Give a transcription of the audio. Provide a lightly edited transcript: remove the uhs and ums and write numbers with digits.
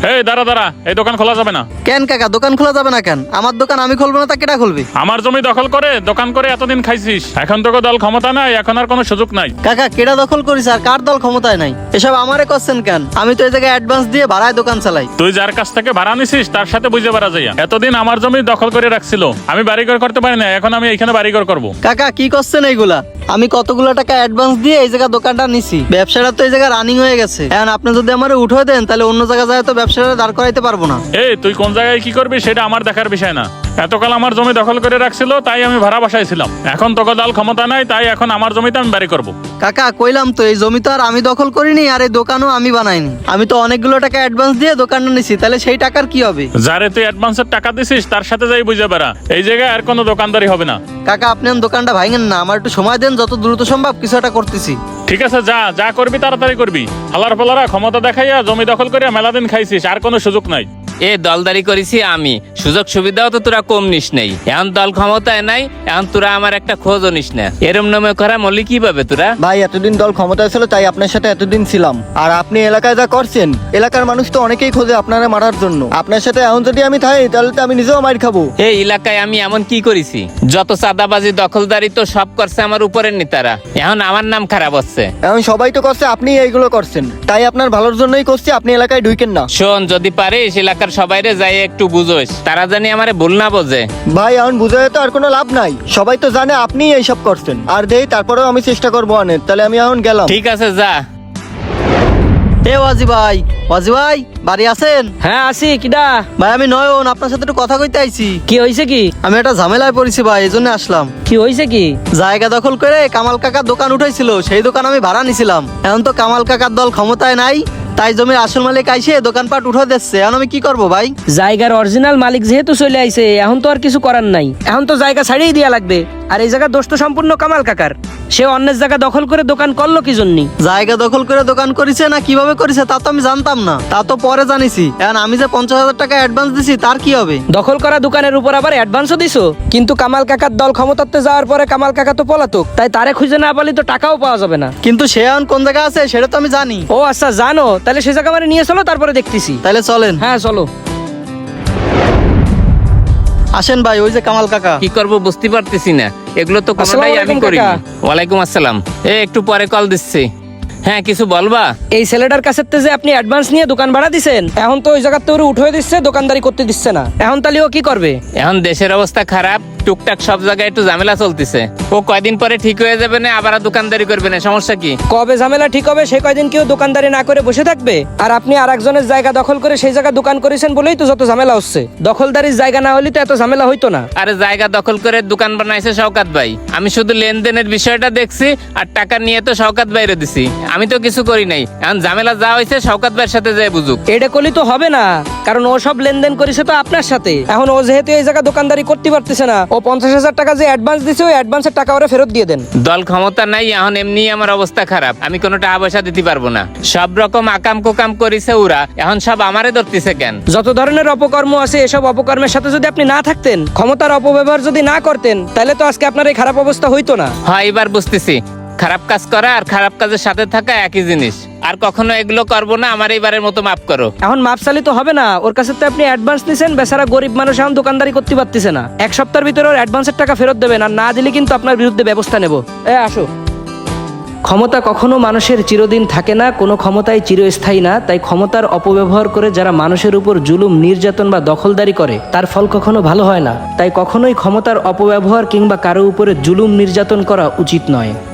এই দাঁড়া দাঁড়া, এই দোকান খোলা যাবে না। কেন কাকা দোকান খোলা যাবে না কেন? আমার দোকান আমি খুলবো না তা কেটা খুলবে? আমার জমি দখল করে দোকান করে এতদিন খাইছিস, এখন তোকে দল ক্ষমতা নাই, এখন আর কোনো সুযোগ নাই। কাকা কেটা দখল করিস আর কার দল ক্ষমতায় নাই? এসব আমারে করছেন কেন? আমি তো এই জায়গায় অ্যাডভান্স দিয়ে ভাড়ায় দোকান চালাই। তুই যার কাছ থেকে ভাড়া নিছিস তার সাথে বুঝে বেড়া যাইয়া। এতদিন আমার জমি দখল করে রাখছিল, আমি বাড়িঘর করতে পারি না, এখন আমি এখানে বাড়িঘর করবো। কাকা কি করছেন এইগুলা? আমি কতগুলো টাকা অ্যাডভান্স দিয়ে এই জায়গা দোকানটা নিছি, ব্যবসাটা তো এই জায়গা রানিং হয়ে গেছে। এখন আপনি যদি আমারে উঠে দেন তাহলে অন্য জায়গায় যায় তো ব্যবসাটা দাঁড় করাইতে পারবো না। এই তুই কোন জায়গায় কি করবি সেটা আমার দেখার বিষয় না। এতকাল আমার জমি দখল করে রাখছিল, তাই আমি ভাড়া বাসাইছিলাম। এখন তোকে দল ক্ষমতা নাই, তাই এখন আমার জমিতে আমি বাড়ি করবো। কাকা কইলাম তো এই জমি তো আর আমি দখল করিনি, আর এই দোকানও আমি বানাইনি। আমি তো অনেকগুলো টাকা অ্যাডভান্স দিয়ে দোকানটা নিছি, তাহলে সেই টাকার কি হবে? যারে তুই অ্যাডভান্সের টাকা দিছিস তার সাথে যাই বুঝে বেড়া, এই জায়গায় আর কোনো দোকানদারি হবে না। কাকা আপনি দোকানটা ভাঙেন না, আমার একটু সময় দেন, যত দ্রুত সম্ভব কিছু একটা করতেছি। ঠিক আছে, যা যা করবি তাড়াতাড়ি করবি। হালার পালারা ক্ষমতা দেখাইয়া জমি দখল করিয়া মেলা দিন খাইছিস, আর কোনো সুযোগ নাই। এ দলদারি করেছি আমি, সুযোগ সুবিধাও তো তোরা কম নিস নেই। এখন দল ক্ষমতায় নাই, এখন তোরা আমার একটা খোঁজও নিস না। এরম নামে করা মলি কিভাবে তোরা? ভাই এতদিন দল ক্ষমতায় ছিল তাই আপনার সাথে এতদিন ছিলাম। আর আপনি এলাকায় যা করছেন, এলাকার মানুষ তো অনেকেই খোঁজে আপনারা মারার জন্য। আপনার সাথে এখন যদি আমি থাকি তাহলে তো আমি নিজেও মার খাবো। এই এলাকায় আমি এমন কি করেছি? যত চাঁদাবাজি দখলদারি তো সব করছে আমার উপরের নেতারা, এখন আমার নাম খারাপ হচ্ছে। এখন সবাই তো করছে, আপনি এইগুলো করছেন, তাই আপনার ভালোর জন্যই করছি। আপনি এলাকায় ঢুকেন না। শোন, যদি পারিস এলাকার সবাইরে যাই একটু বুঝোস, তারা জানি আমারে ভুল না বোঝে। ভাই এখন বুঝাই তো আর কোনো লাভ নাই, সবাই তো জানে আপনি এইসব করছেন। আর দেই তারপরেও আমি চেষ্টা করবো অনেক। তাহলে আমি এখন গেলাম। ঠিক আছে যা। এ ওয়াজি ভাই, ওয়াজি ভাই বাড়ি আছেন? হ্যাঁ আসি। কিডা? ভাই আমি নয়ন, আপনার সাথে একটু কথা কইতে আইছি। কি হয়েছে কি? আমি একটা ঝামেলায় পড়েছি ভাই, এই জন্য আসলাম। কি হয়েছে কি? জায়গা দখল করে কামাল কাকার দোকান উঠাইছিল, সেই দোকান আমি ভাড়া নিছিলাম। এখন তো কামাল কাকার দল ক্ষমতায় নাই, তাই জমির আসল মালিক আইসে দোকানপাট উঠে দিচ্ছে। এখন আমি কি করব ভাই? জায়গার অরিজিনাল মালিক যেহেতু চলে আইছে, এখন তো আর কিছু করার নাই। এখন তো জায়গা ছাড়িয়ে দেয়া লাগবে। আর এই জায়গা দোষ তো সম্পূর্ণ কামাল কাকার। সে অন্যের জায়গা দখল করে দোকান করলো কি জন্য? জায়গা দখল করে দোকান করেছে না কিভাবে করেছে তা তো আমি জানতাম না, তা তো পরে জানিছি। এখন আমি যে 50,000 টাকা অ্যাডভান্স দিছি তার কি হবে? দখল করা দোকানের উপর আবার অ্যাডভান্সও দিছো? কিন্তু কামাল কাকার দল ক্ষমতাতে যাওয়ার পরে কামাল কাকা তো পলাতক, তাই তারে খুঁজে না পালি তো টাকাও পাওয়া যাবে না। কিন্তু সে এখন কোন জায়গায় আছে সেটা তো আমি জানি। ও আচ্ছা জানো, তাহলে সে জায়গা মানে নিয়ে চলো, তারপরে দেখতেছি। তাহলে চলেন। হ্যাঁ চলো। আসেন ভাই, ওই যে কামাল কাকা। কি করব বুঝতে পারতেছি না, এগুলো তো কোনোটাই আসসালামু আমি আলাইকুম করি। কাকা। ওয়ালাইকুম আসসালাম। একটু পরে কল দিচ্ছি। হ্যাঁ কিছু বলবা? এই ছেলেটার কাছে যে আপনি অ্যাডভান্স নিয়ে দোকান ভাড়া দিছেন, এখন তো ওই জায়গার তো উঠে দিচ্ছে, দোকানদারি করতে দিচ্ছে না। এখন তাহলে ও কি করবে? এখন দেশের অবস্থা খারাপ, টুকটাক সব জায়গায় একটু ঝামেলা চলতেছে। ও কয়দিন পরে ঠিক হয়ে যাবে না, আবার দোকানদারি করবে না, সমস্যা কি? কবে ঝামেলা ঠিক হবে সে কয়দিন কেউ দোকানদারি না করে বসে থাকবে? আর আপনি আর একজনের জায়গা দখল করে সেই জায়গা দোকান করেছেন বলেই তো যত ঝামেলা হচ্ছে। দখলদারির জায়গা না হলে তো এত ঝামেলা হইতো না। আরে জায়গা দখল করে দোকান বানাইছে শওকাত ভাই, আমি শুধু লেনদেনের বিষয়টা দেখছি আর টাকা নিয়ে তো শওকাত ভাইরে দিছি, আমি তো কিছু করি নাই। এখন ঝামেলা যা হয়েছে শওকাত ভাইয়ের সাথে যায় বুঝুক। এটা করলে তো হবে না, কারণ ও সব লেনদেন করেছে তো আপনার সাথে। এখন ও যেহেতু এই জায়গা দোকানদারি করতে পারতেছে না, ও 50,000 টাকা যে অ্যাডভান্স দিছে ওই অ্যাডভান্সের টাকা ওরা ফেরত দিয়ে দেন। দল ক্ষমতা নাই, এখন এমনি আমার অবস্থা খারাপ, আমি কোনো টাকা পয়সা দিতে পারবো না। সব রকম আকাম কুকাম করেছে ওরা, এখন সব আমারে ধরতেছে কেন? যত ধরনের অপকর্ম আছে এসব অপকর্মের সাথে যদি আপনি না থাকতেন, ক্ষমতার অপব্যবহার যদি না করতেন, তাহলে তো আজকে আপনার এই খারাপ অবস্থা হইতো না। হয় এবার বুঝতেছি, খারাপ কাজ করা আর খারাপ কাজের সাথে থাকা একই জিনিস। আর কখনো এগুলো করবো না, আমার এইবারের মতো মাফ করো। এখন মাপ চালি তো হবে না, ওর কাছে তো আপনি অ্যাডভান্স নিছেন। বেচারা গরিব মানুষ এখন দোকানদারি করতে পারতেছে না। এক সপ্তাহের ভিতরে ওর অ্যাডভান্সের টাকা ফেরত দেবেন, আর না দিলে কিন্তু আপনার বিরুদ্ধে ব্যবস্থা নেব। আসো। ক্ষমতা কখনো মানুষের চিরদিন থাকে না, কোনো ক্ষমতাই চিরস্থায়ী না। তাই ক্ষমতার অপব্যবহার করে যারা মানুষের উপর জুলুম, নির্যাতন বা দখলদারি করে তার ফল কখনো ভালো হয় না। তাই কখনোই ক্ষমতার অপব্যবহার কিংবা কারো উপরে জুলুম নির্যাতন করা উচিত নয়।